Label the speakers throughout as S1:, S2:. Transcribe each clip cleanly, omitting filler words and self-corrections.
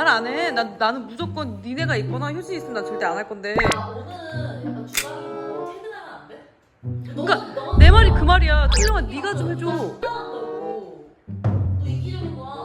S1: 말 안 해. 나는 무조건 니네가 있거나 효진이 있으면 난 절대 안 할 건데.
S2: 오늘은 약간 주말이고 퇴근하면 안 돼?
S1: 그러니까 내 말이 그 말이야. 철영아 네가 좀 해줘.
S2: 너 이기적인 거야.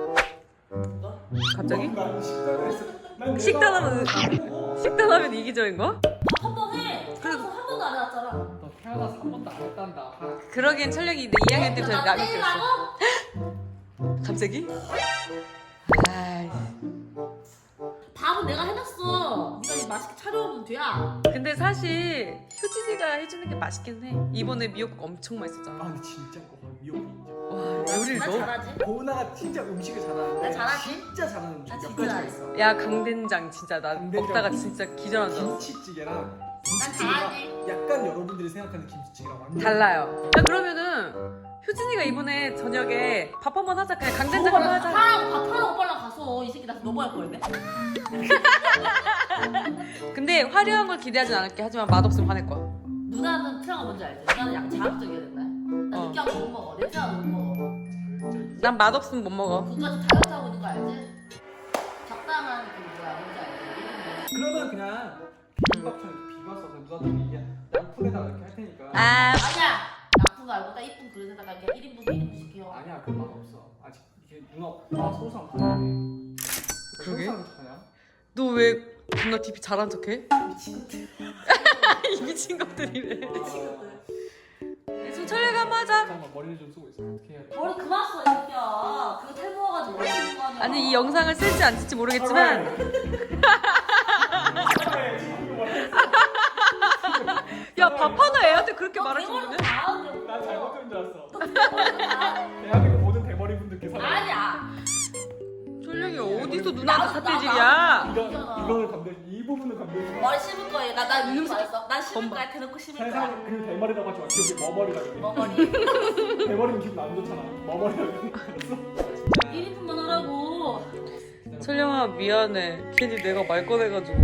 S1: 갑자기?
S3: 난 식단했어.
S1: 식단하면 이기적인 거야?
S2: 한 번 해. 그래서 한 번도 안 해왔잖아.
S3: 너 태어나서 한 번도 안 했단다.
S1: 그러기엔 철영이 내 2학년 때부터
S2: 나
S1: 약이
S2: 때리라고?
S1: 꼈어. 갑자기? 아이.
S2: 밥은 내가 해놨어. 네가 이제 맛있게 차려오면 돼야.
S1: 근데 사실 효진이가 해주는 게 맛있긴 해. 이번에 미역국 엄청 맛있었잖아.
S3: 근데 진짜 미역국 인정.
S1: 와 요리를
S2: 나
S1: 너무.
S2: 잘하지?
S3: 고은아가 진짜 음식을 잘하는데.
S2: 나 잘하지?
S3: 진짜 잘하는 음식
S2: 나
S3: 몇
S2: 진짜
S3: 가지가
S2: 잘해.
S3: 있어.
S1: 야 강된장 진짜 나
S3: 강된장.
S1: 먹다가 진짜 기절한 줄 알았어.
S3: 김치찌개랑
S2: 난
S3: 김치찌개가
S2: 잘하지.
S3: 약간 여러분들이 생각하는 김치찌개랑 완전
S1: 달라요. 야 그러면은 효진이가 이번에 저녁에 밥 한번 하자. 그냥 강된장 한번 하자.
S2: 하라고 밥하라고 빨랑 가서 이 새끼 나 넘어갈 거였네.
S1: 근데 화려한 걸 기대하진 않을게. 하지만 맛없으면 화낼 거야.
S2: 누나는 트라가 뭔지 알지? 누나는 약간 자극적이어야 된다. 나
S1: 어.
S2: 느끼하고 못 먹어. 냄새나도 못 먹어.
S1: 난 맛없으면 못 먹어.
S2: 그거까지 다이어트 하고 있는 거 알지? 적당한 그 뭐야 뭔지 알지?
S3: 그러면 그냥 비빔밥처럼 이렇게 비벼서 누나들이 이게 양푼에다가 이렇게 할 테니까.
S1: 아
S2: 아니야. 나쁜 거 말고 딱 이쁜 그릇에다가 이렇게 1인분 1인분 시켜.
S3: 아니야 그 맛 없어. 아직 이게 누나 소상 가네.
S1: 그러게?
S3: 소상 어떡하냐?
S1: 너 왜 존나 DP 잘한 척해?
S2: 미친 것들.
S1: 이 미친 것들이래.
S2: 미친 것들.
S1: 지금 철회가 한번 하자.
S3: 잠깐만 머리를 좀 쓰고 있어. 어떻게 해야 돼?
S2: 머리 그만 써, 이 새끼야. 그거 탈모가지고 머리 쓰는 거 아니야.
S1: 아니 이 영상을 쓸지 안 쓸지 모르겠지만 야 밥 하나 애한테 그렇게 말할 줄이네.
S3: 난 잘못 들은 줄 알았어. 대한민국 모든 대머리 분들께 사랑.
S2: 아니야.
S1: 철령이 어디서 누나한테 삿대질이야?
S3: 이거를 감대 이 부분을 감대.
S2: 머리 씹을 거예요. 나 이름 말했어. 난 씹을 거야. 대놓고 씹을 거야.
S3: 세상 그 대머리라고 하지 마. 기억이 머머리라고 해.
S2: 머리.
S3: 대머리는 기분 안 좋잖아. 머머리라고 했어.
S2: 1인분만 하라고.
S1: 철령아 미안해. 괜히 내가 말 꺼내가지고.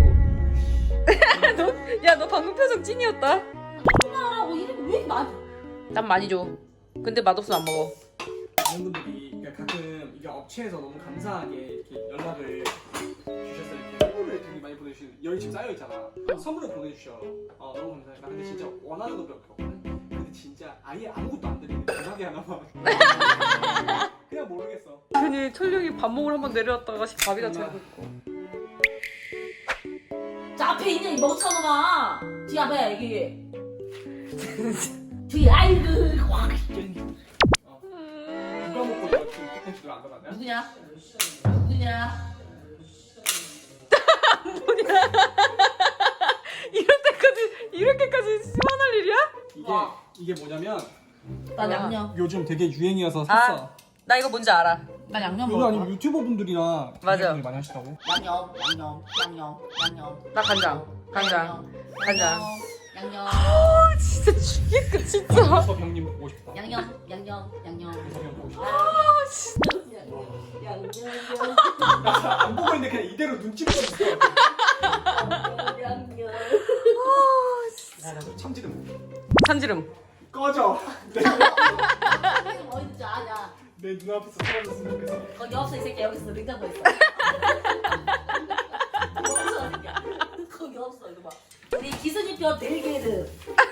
S1: 너 방금 표정 찐이었다.
S2: 그만 하라고. 1인분 왜 이렇게 많이.
S1: 난 많이 줘. 근데 맛없으면 안 먹어.
S3: 많은 분들이 그러니까 가끔 이게 업체에서 너무 감사하게 이렇게 연락을 주셨어요. 이렇게 선물을 되게 많이 보내주시는 열이 지금 쌓여 있잖아. 선물을 보내주셔. 너무 감사합니다. 근데 진짜 원하는 거 몇 개 없거든. 근데 진짜 아예 아무것도 안 드리는 대박이 하나만. 그냥 모르겠어.
S1: 괜히 철령이 밥 먹으러 한번 내려왔다가 밥이 다 차고 있고.
S2: 자 앞에 있는 이 멍청놈아. 뒤 앞에 여기. 뒤 아이고. 와.
S3: 누가 먹고 내가 지금 콘텐츠를 안 받았냐?
S2: 누구냐? 누구냐?
S1: 이렇게까지 심한할 일이야?
S3: 이게 뭐냐면
S2: 난 양념.
S3: 요즘 되게 유행이어서 샀어.
S1: 나 이거 뭔지 알아.
S2: 난 양념
S3: 이거
S2: 먹어.
S3: 아니면 유튜버 분들이랑
S1: 맞아.
S3: 분들이 많이 하시다고?
S2: 양념.
S1: 나 간장. 간장.
S2: 양념.
S1: 진짜 죽겠다 진짜.
S3: 그래서 병님 보고 싶다.
S2: 양념.
S3: 그래서 병 보고 싶다.
S2: 양념.
S3: 안 보고 있는데 그냥 이대로 눈치 보고 있어.
S2: 양념.
S3: 나도 참지름.
S1: 참지름.
S3: 꺼져.
S2: 어디 있는지 아냐?
S3: 내 눈앞에서 사라졌으면 좋겠어.
S2: 거기 없어 이 새끼 여기 있어 냉장고에 있어. 없어 이 새끼야. 거기 없어 이거 봐. 우리 기승이표 델게르.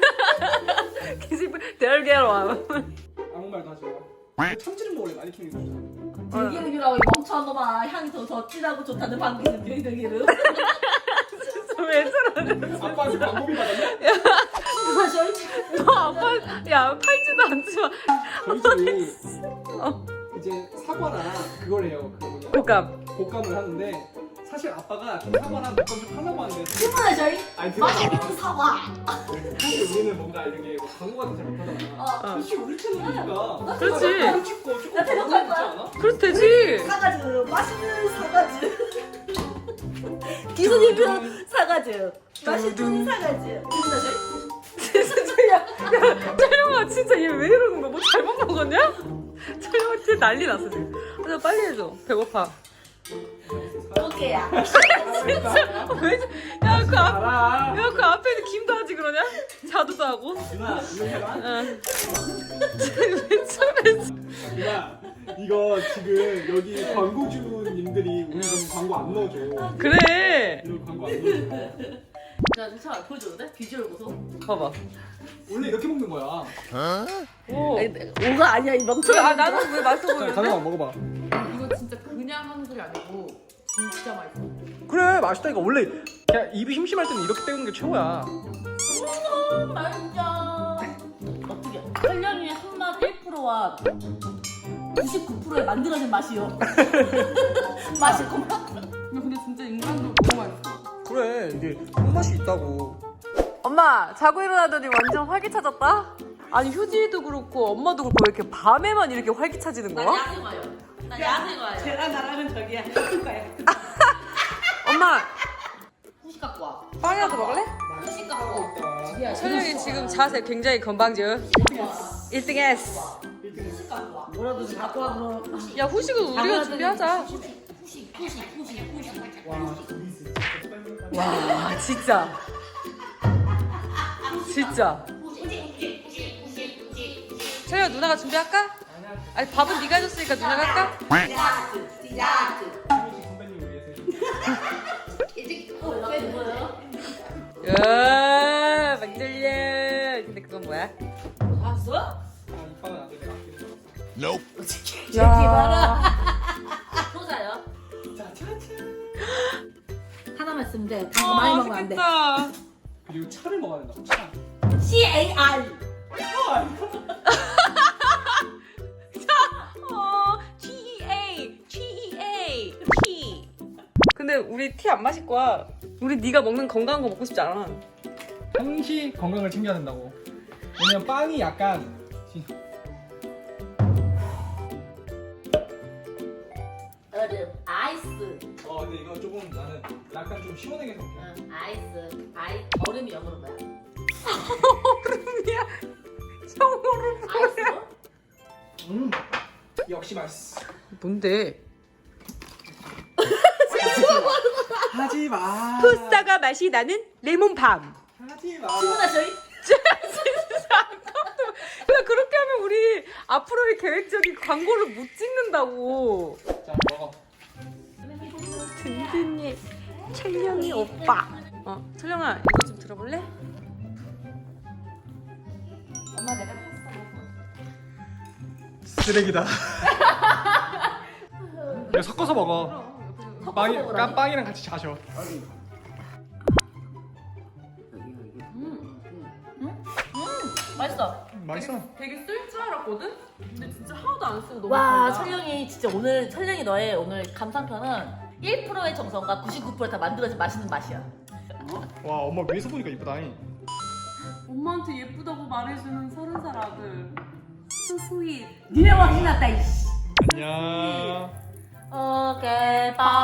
S1: 대열계로.
S3: 아무 말도 하지 마. 참지름 원래 많이 키우는 거잖아.
S2: 델게르라고 이 멍청한 놈아. 향이 더 진하고 좋다는 방귀는 델게르.
S1: 왜 저러냐?
S3: 아빠한테 방법이 받았냐?
S2: 사실
S1: 너 아빠 야 팔지도 않지만
S3: 저희 집이 이제 사과랑 그걸 해요. 그 뭐냐
S1: 곶감.
S3: 곶감을 하는데 사실 아빠가 사과랑 곶감 좀 하려고 하는데
S2: 그거야 저희
S3: 아니
S2: 맛있는 사과.
S3: 사실 우리는 뭔가 이렇게 뭐 광고 같은 잘 못하잖아. 사실 우리 채널이니까
S1: 그렇지.
S3: 찍고
S2: 나 대놓고 할
S3: 있지
S2: 거야.
S3: 않아?
S1: 그래도 되지.
S2: 사과즙 맛있는 사과즙. 기승이표 사과즙 맛있는 사과즙. 누구나 저희?
S1: 야 촬영아 진짜 얘 왜 이러는 거야? 뭐 잘못 먹었냐? 촬영아 진짜 난리 났어 지금. 아, 빨리 해줘. 배고파.
S2: 오케이야.
S1: 야그
S3: 알아.
S1: 그 앞에 있는 김도 하지 그러냐? 자두도 하고.
S3: 누나 이거 해봐.
S1: 응. 왜 저래?
S3: 누나 이거 지금 여기 광고주님들이 우리 이런 광고 안 넣어줘.
S1: 그래.
S3: 이런 광고 안 넣어줘.
S2: 야 진짜 보여줘도 돼? 비주얼 보소.
S1: 봐봐.
S3: 원래 이렇게 먹는 거야.
S1: 오.
S2: 오가 아니야 이 멍청아.
S1: 아 나는 왜 맛있어
S3: 자,
S1: 보이는데?
S3: 가져와 먹어봐.
S1: 이거 진짜 그냥 하는 소리 아니고 진짜 맛있어.
S3: 그래 맛있다니까. 원래 그냥 입이 심심할 때는 이렇게 때우는 게 최고야.
S2: 맛있다. 어떻게? 설령이의 손맛 1%와 99%의 만들어진 맛이요. 맛있구만.
S1: 근데 진짜 인간도 너무 맛있어.
S3: 그래 이게 손맛이 있다고.
S1: 엄마 자고 일어나더니 완전 활기차졌다? 아니 효진이도 그렇고 엄마도 그렇고 왜 이렇게 밤에만 이렇게 활기차지는
S2: 나
S1: 거야?
S2: 야생 와요. 나 야생 와요.
S4: 쟤랑 나랑은 저기야. 똑같아요.
S1: 엄마
S2: 후식 갖고 와.
S1: 빵이라도 먹을래?
S2: 후식 갖고 와.
S1: 철령이 지금 자세 굉장히 건방져. 1등 했어.
S2: 후식 갖고 와.
S4: 뭐라도 좀 갖고 와 그럼.
S1: 야 후식은 우리가 준비하자.
S2: 후식.
S1: 와 진짜. 진짜. 철령 누나가 준비할까? 아니 밥은 네가 해줬으니까 누나가 할까?
S2: 디저트.
S3: 선배님 위해서.
S2: 일찍 연락해 뭐예요?
S1: 야 막걸리. 근데 그건 뭐야?
S2: 봤어?
S3: 아 이빨은 안 돼. 내가 아끼는
S1: 야.
S2: 소자요?
S4: 하나만 쓰면 돼. 단 거 많이 먹으면 안 돼.
S1: 맛있겠다.
S3: 그리고 차를 먹어야 된다고. 차.
S2: CAR.
S1: GEA. T. 근데 우리 티 안 마실 거야. 우리 네가 먹는 건강한 거 먹고 싶지 않아.
S3: 항시 건강을 챙겨야 된다고. 왜냐면 빵이 약간
S2: 얼음. 아이스.
S3: 근데 이거 조금 나는 약간 좀 시원하게 먹게.
S2: 응. 아이스. 얼음이 영어로 뭐야?
S1: 얼음이야. 형으로
S2: 아이스?
S3: 역시 맛있어.
S1: 뭔데?
S3: 하지 마.
S1: 푸싸가 맛이 나는 레몬밤.
S3: 하지 마.
S2: 주문하 저희?
S1: 야 그렇게 하면 우리 앞으로의 계획적인 광고를 못 찍는다고.
S3: 자 먹어.
S1: 든든히 철령이 오빠. 철령아 이거 좀 들어볼래?
S2: 엄마 내가 탔어.
S3: 쓰레기다. 이거 섞어서 먹어. 빵이
S2: 먹으라니?
S3: 빵이랑 같이 자셔.
S2: 맛있어.
S3: 맛있어.
S1: 되게 쓸 줄 알았거든? 근데 진짜 하나도 안 쓰고 너무
S2: 와
S1: 달다.
S2: 철령이 진짜 오늘 철령이 너의 오늘 감상편은 1%의 정성과 99%다 만들어진 맛있는 맛이야.
S3: 와 엄마 위에서 보니까 이쁘다잉.
S1: 엄마한테 예쁘다고 말해주는 30살 아들. 소스윗.
S4: 니네 왕신 났다 이씨.
S3: 안녕.
S2: 오케이 빠.